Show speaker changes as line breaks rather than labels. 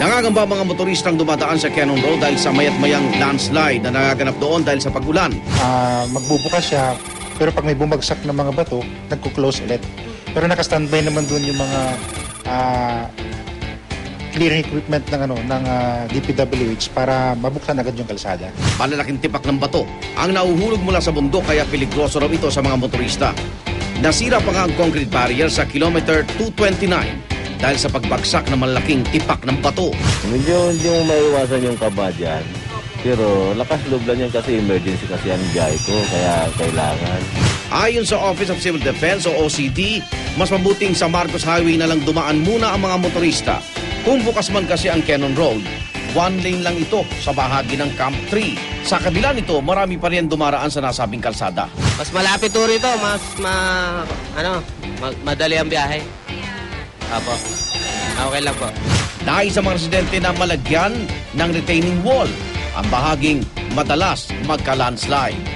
Nangangamba mga motoristang dumadaan sa Cannon Road dahil sa mayat-mayang landslide na nagaganap doon dahil sa pag-ulan.
Magbubukas siya, pero pag may bumagsak na mga bato, nagko-close ulit. Pero naka-standby naman doon yung mga clearing equipment ng DPWH para mabuksan agad yung kalsada.
Malalaking tipak ng bato ang nauhulog mula sa bundok kaya peligroso raw ito sa mga motorista. Nasira pa nga ang concrete barrier sa kilometer 229 dahil sa pagbagsak ng malaking tipak ng bato.
Medyo hindi mo maiwasan yung kaba dyan. Pero lakas loob lang yan kasi emergency kasi ang biyahe ko, kaya kailangan.
Ayon sa Office of Civil Defense o OCD, mas mabuting sa Marcos Highway na lang dumaan muna ang mga motorista. Kung bukas man kasi ang Cannon Road, one lane lang ito sa bahagi ng Camp 3. Sa kabila nito, marami pa rin dumaraan sa nasabing kalsada.
Mas malapit to rito, madali ang biyahe. Apo. Okay lang po.
Nais sa mga residente na malagyan ng retaining wall ang bahaging madalas magka-landslide.